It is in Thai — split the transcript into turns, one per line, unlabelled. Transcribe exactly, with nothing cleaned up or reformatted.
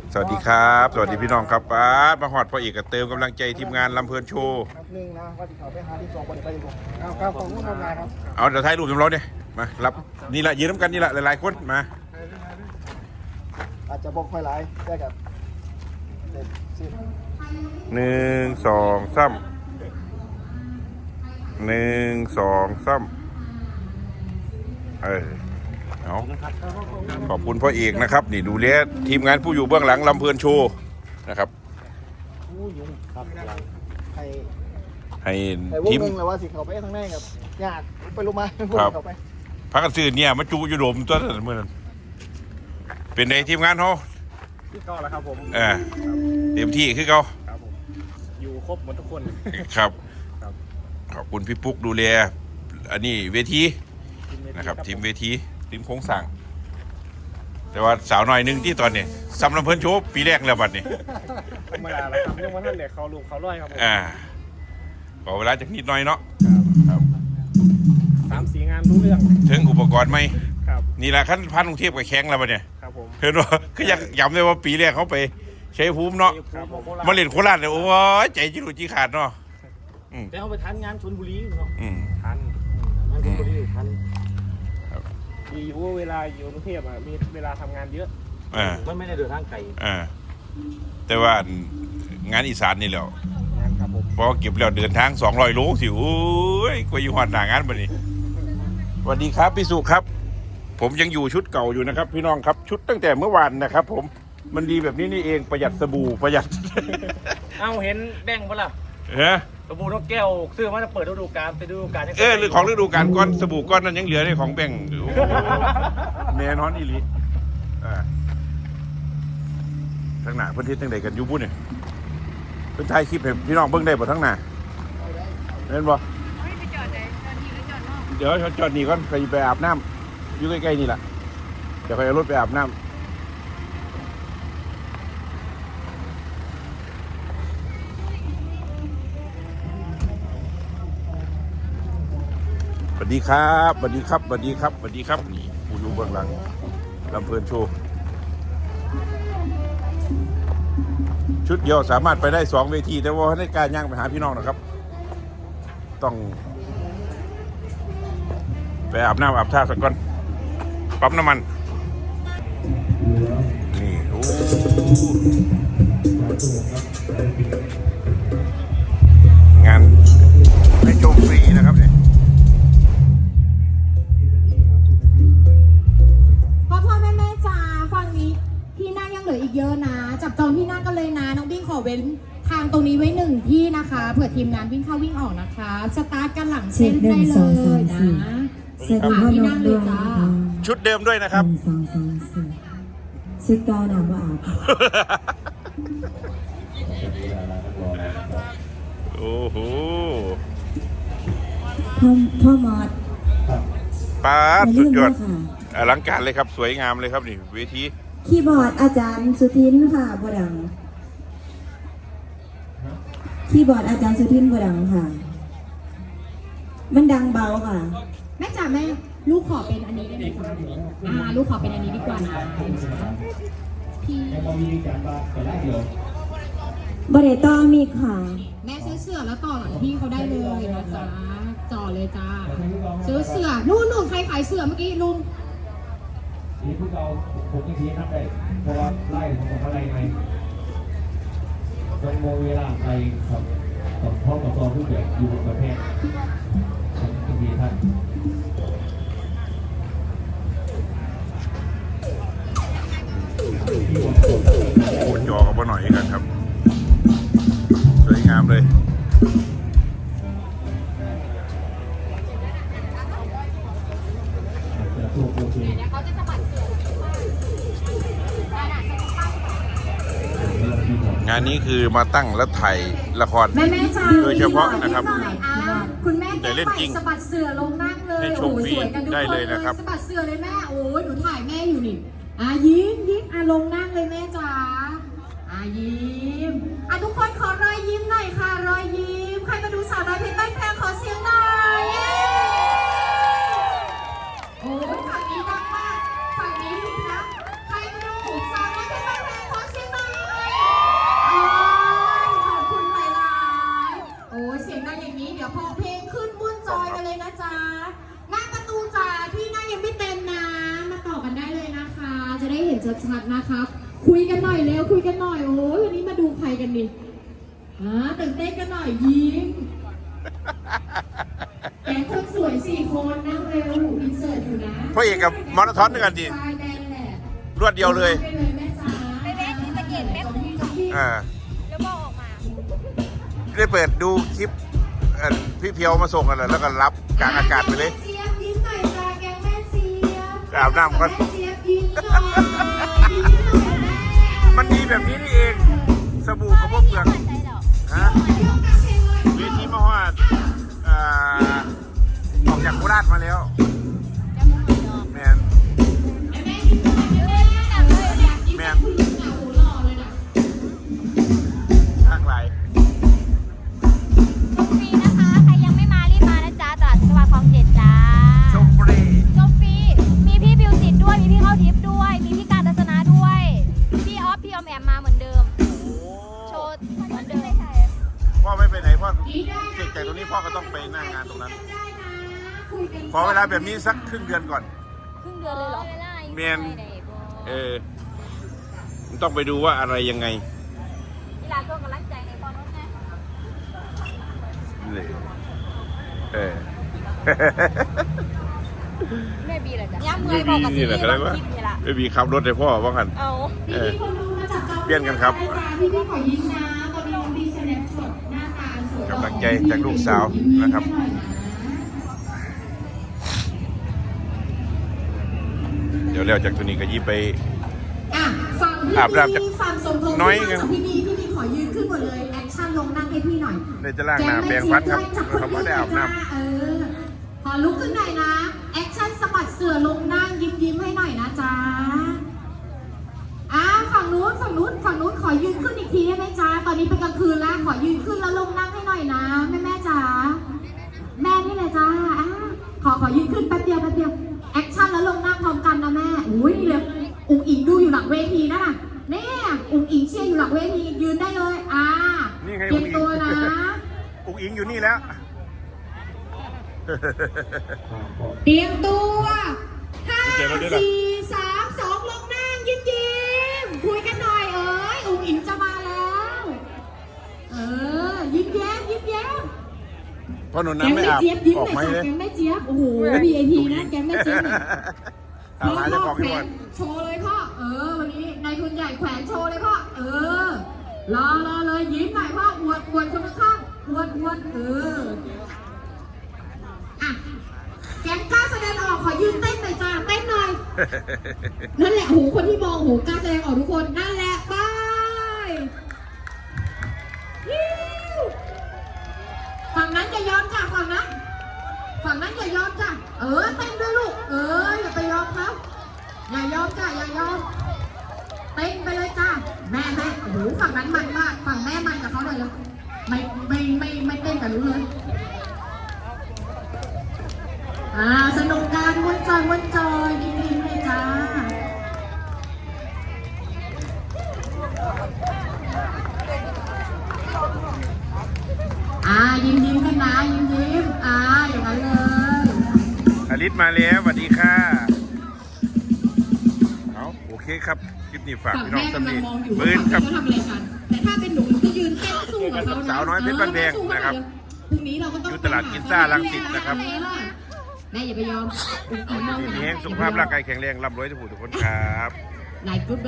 สวัสดีครับสวัสดีพี่น้องครับป้ามาหอดพ่อเอกเติมกำลังใจทีมงานลำเพลินโชว์
ครับหนึ่งนะว่าที่เขาไปหาที่สองบริไปดีกว่าเอาครับของผู้ทำงานครับ
เอาเดี๋ยวถ่ายรูปจำลองเนี่ยมารับนี่แหละยืนน้ำกันนี่แหละหลายๆคนมา
อาจจะบอกค่อยหลายได้กับเด็ดสิ
หนึ่งสองสามหนึ่งสองสามเออเอาขอบคุณพ่อเอกนะครับนี่ดูแลทีมงานผู้อยู่เบื้องหลังลำเพลินโชว์นะครับ
ครับให้
ให้
ทีมเลยว่าสิเขาไปทางไหนครับยากไปลงมา
ครับพักกันซื้อเนี่ยมาจูอยู่โดมตัวนั้นเมื่อนั้นเป็นในทีมงานเขา
ที่เก่าแล้วครับผม
เออเต็มที่คือเขา
ครับผมอยู่ครบหมดทุกคน
ครับขอบคุณพี่ปุ๊กดูแลอันนี้เวทีนะครับทีมเวทีทีมโค้งสั่งแต่ว่าสาวน้อยนึงที่ตอนนี้ซ้ำลำเพลินโชว์ปีแรกแล้วบัดนี้
ธรรมดาแล้วครับเรื่องวันนั้นเด็กเขาลูกเขาร้อยครับ
อ่าขอเวลาจากนิดหน่อยเนาะครับ
สามสี่งานรู้เรื่อง
ถึงอุปกรณ์ไหม
ครับ
นี่แหละขั้นพันกรุงเทพกับแข้งแล้วบัดเนี่ย
ครับผม
เห็นว่าคืออยากย้ำเลยว่าปีแรกเขาไปใช้ภูมิเนาะมาเล่นโคราชเนี่ยโอ้ยใจจิรุจิขาดเนาะ
แต่เขาไปทันงานชลบุรีเนาะทันงานชลบุรีทันดีอยู่เวลาอยู่กรุงเทพอ่ะมีเวลาทำงานเยอะมันไม่ได้เดินทางไกล
อ่าแต่ว่างานอีสานนี่แหละ
งานครับผม
พอเก็บแล้วเดินทางสองร้อยโลสิโอ้ยกว่าอยู่หอดหน้างานบัดนี้สวัสดีครับพี่สุครับผมยังอยู่ชุดเก่าอยู่นะครับพี่น้องครับชุดตั้งแต่เมื่อวานนะครับผมมันดีแบบนี้นี่เองประหยัดสบู่ประหยัด
เอาเห็นแดงปะล่ะ
เฮ้
สบู่นกแก้วซื้อมาจะเปิดฤดูกาลไปฤดูกาล
เออหรือของฤดูกาลก้อนสบู่ก้อนนั้นยังเหลือในของแบ่งแน่นอนอีหลีอ่าทั้งหน้าเพื่อนที่ตั้งใดกันยูบุเนี่ยเพื่อนถ่ายคลิปให้พี่น้องเบิ่งได้บ่ทั้งหน้าเห็นบ่เดี๋ยวจอดนี่ก่อนไปไปอาบน้ำอยู่ใกล้ๆนี่แหละเดี๋ยวไปเอารถไปอาบน้ำสวัสดีครับสวัสดีครับสวัสดีครับสวัสดีครับนี่ผู้อยู่เบื้องหลังลำเพลินโชว์ชุดเดียวสามารถไปได้สองเวทีแต่ว่าในการย่างไปหาพี่น้องนะครับต้องไปอาบน้ำอาบท่าสักก่อนปั๊มน้ำมันนี่โอ้งานให้ชมฟรีนะครับเนี่ย
พ่อพ่อแม่แม่จ๋าฝั่งนี้ที่นั่งยังเหลืออีกเยอะนะจับจองที่นั่งกันเลยนะน้องบิ้งขอเว้นทางตรงนี้ไว้หนึ่งที่นะคะเผื่อทีมงานวิ่งเข้าวิ่งออกนะคะสตาร์ทกันหลังเส้นได้เลยนะ
สวัสดีพ่อน้องด้วยนะคะ
ชุดเดิมด้วยนะครับ
สองสองสี่ชุดเก่าหนาบ่อาบ
โอ้โห
พ่อพ่อมอด
ป้าสุดยอดอลังการเลยครับสวยงามเลยครับนี่เวที
คีย์บอร์ดอาจารย์สุทินค่ะบดังคีย์บอร์ดอาจารย์สุทินบดังค่ะมันดังเบาค่ะ
แม่จ๋าแม่ลูกขอเป็นอันนี้ได้ไหมคะอ่าลูกขอเป็นอันนี้ดีกว่านะพี่
บริต่อมีค่ะ
แม่ซื้อเสื้อแล้วต่อหลังพี่เขาได้เลยนะจ๊ะจ่อเลยจ้าซื้อเสื้อนู่นนู่นใครขายเสื้อเมื่อกี้ลุง
นี่พวกเราผมจะชี้นับได้เพราะว่าไล่ของผมอะไรไงต้องโมเวลาไปครับต้องพร้อมกับตัวผู้เกี่ยวอยู่บนประเทศผมจะชี้ท่าน
โอ้จอกับบ่หน่อยกันครับสวยงามเลยงานนี้คือมาตั้งและถ่ายละครโดยเฉพาะนะครับ
คุณแม่ได้เล่นจริงสะบัดเสือลงนั่งเลย
โอ้ยสวยกันทุกคนเลยนะครับ
สะบัดเสือเลยแม่โอ้ยหนูถ่ายแม่อยู่นี่อ่ะยิ้มยิ้มอ่ะลงนั่งเลยแม่จ๋าอ่ะยิ้มอ่ะทุกคนขอรอยยิ้มหน่อยค่ะรอยยิ้มใครมาดูสาวน้อยเพชรบ้านแพงขอเสียงหน่อยโอ้ยฝั่งนี้ดังมากฝั่งนี้ดีนะใครมาดูสาวน้อยเพชรบ้านแพงขอเสียงหน่อยครับ คุยกันหน่อยเร็วคุยกันหน่อยโอ้ยวันนี้มาดูใครกันดิอ่าตื่นเต้นกันหน่อยยิ้มแกงคนสวยสี่คนนั่งเร็วอินเสิร์ตอยู่นะ
พ่อเอกกับมอนาธอนด้วยกันดิ
ชายแดงแหละ
รวดเดียวเลย
ไปเลยแม่จ๋า
ไปแวะศรีสะเกษแป๊บนึง
อ่า
แล้วบอกออกมา
ได้เปิดดูคลิปเอ่อพี่เพียวมาส่งกันเลยแล้วก็รับกลางอากาศไปเลย
แม่เจี๊ยบยิ้มหน่อยจ้าแกงแม่เจี๊ยบ
อาบน้ำก่อน
แม่เจี๊ยบยิ้มหน่อยยิ้มหน่อยแม่
มันดีแบบนี้นี่เอง สบู่กับพวกเปลือก
ไม่ใจหรอก
ฮะเวทีมาฮอดอ่าออกจากโคราชมาแล้ว
จะมึงไม่ยอม
แมน
แม่ยิ้มหน่อยแม่อยากยิ้มแบบผู้หญิงอ่ะโหหล่อเลยนะ
ข้างไหล
ชมฟรีนะคะ ใครยังไม่มารีบมานะจ๊ะตลาดจังหวัดคลองเจ็ดจ้า
ชมฟรี
ชมฟรี มีพี่บิวจิตด้วย มีพี่เข้าทิพย์ด้วย มีพี่การทัศนะด้วย พี่ออฟ พี่ออมแอมมาเหมือนเดิม โชว์เหมือนเดิม
พ่อไม่ไปไหนพ่อเสร็จจากตรงนี้พ่อก็ต้องไปหน้างานตรงนั้น ขอเวลาแบบนี้สักครึ่งเดือนก่อน
ครึ่งเดือนเลยเหรอ
เมียน เออมันต้องไปดูว่าอะไรยังไง
เวลาตัวกำลังใจในตอนนั้นไง
เลยเออ
แม่บีเหรอจ๊ะย่าเมื่อยบอกกับซี
นี่แหละก็ได้ว่า
คิดนี่ละ
ไม่มีขับรถให้พ่อว่ากัน
เอา
เออ
พี่คนดูมาจากเกาหลี
เปลี่ยนกันครับ
พี่พี่ขอยิ้มนะตอนนี้น้องดีแสดงสดหน้าตาสวย
กำลังใจจากลูกสาวนะครับ เดี๋ยวแล้วจากตัวนี้ก็ยิบไป
อ่ะฝั่งพี่
อาบน้ำจาก
บีฝั่งสมทบ
น้อย
พี่
ไง
ฝั่งพี่บีพี่บีขอยืนขึ้นหมดเลยแอคชั่นลงนั่งให้พี่หน่อย
ในจะล่างน้ำแปรงฟันครับเขาไม่ได้อาบน้
เออขอลุกขึ้นหน่อยนะแอคชั่นสะบัดเสือลงนั่งยิ้มยิ้มให้หน่อยนะจ๊ะอ่ะฝั่งนู้นฝั่งนู้นฝั่งนู้นขอยืนขึ้นอีกทีได้ไหมจ๊ะตอนนี้เป็นกลางคืนแล้วขอยืนขึ้นแล้วลงนั่งให้หน่อยนะแม่แม่จ๋าแม่นี่แหละจ้าอ่ะขอขอยืนขึ้นแป๊บเดียวแป๊บเดียวแอคชั่นแล้วลงนั่งพร้อมกันนะแม่อุ้ยนี่เลยอุ๋งอิงดูอยู่หลังเวทีนะเนี่ยอุ๋งอิงเชียร์อยู่หลังเวทียืนได้เลยอ่า
ำนี่ไง
เตรียมตัวนะ
อุ๋งอิงอยู่นี่แล้ว
เตรียมตัวห้า
เดี๋ยวเราด้วยนะ
สี่สามสองลงนั่งยิ้มยิ้มคุยกันหน่อยเอ้ยอุ๋งอิงจะมาแล้วเออยิ้มแย้มยิ้มแย้ม
พ่อหนุน
แก
น้ำ
ง
ไม่
แม่
อาบ
เจี๊ยบยิ้ม
ออก
ห
ไหม
น่อย
เล
จ้ะ
ย
แกงแม่เจี๊ยบโอ้โห วี ไอ พี นะแกงแม่เจี๊ยบเนี่ย
ถามหาเจ้าของ
แข
ที่
ว
วัน
นโชว์เลยพ่อเออวันนี้นายทุนใหญ่แขวนโชว์เลยพ่อเออรอรอเลยยิ้มหน่อยพ่ออวดอวดคนข้างๆอวดอวดเอออ่ะแกงกล้าแสดงออกขอยืนเต้นหน่อยจ้าเต้นหน่อย นั่นแหละโหคนที่มองโหกล้าแสดงออกทุกคนนั่นแหละไปฮิ้วฝั่งนั้นอย่ายอมจ้ะฝั่งนั้นฝั่งนั้นอย่ายอมจ้ะเออเต้นด้วยลูกเอออย่าไปยอมเขาอย่ายอมจ้ะอย่ายอมเต้นไปเลยจ้ะแม่แม่โอ้โหฝั่งนั้นมันมากฝั่งแม่มันกับเขาเลยแล้วไม่ไม่ไม่ไม่เต้นกับรู้เลยอ่าสนุกการวนจอยวนจอยยิ้มๆเลยจ้าอ่ายิ้มยิ้มกันนะยิ้มยิ้มอ่าอย่างนั้นเลย
อลิสมาแล้วสวัสดีค่ะเอาโอเคครับคลิปนี้ฝาก
ฝั่ง
พี่น้อง
แม่
สำ
กำลั
นี
งมองอยู่
ปื
ว่าน
ครับ
เขาทำอะไรกัน แต่ถ้าเป็นหนูหนูก็ยืนเต้นสู้กับเขานะ
สาวน้อยเพชรบ้านแพงนะครับ
พรุ่งนี้เราก็ต้อง
อยู่ตลาดกินซ่ารังสิตนะครับ
แม่อย่าไปยอมอุ้งอิงมอง
ที
นะ
นี้สุขภาพร่างกายแข็งแรงร่ำรวยทุกผู้ทุกคนครับ
นายกุ๊ด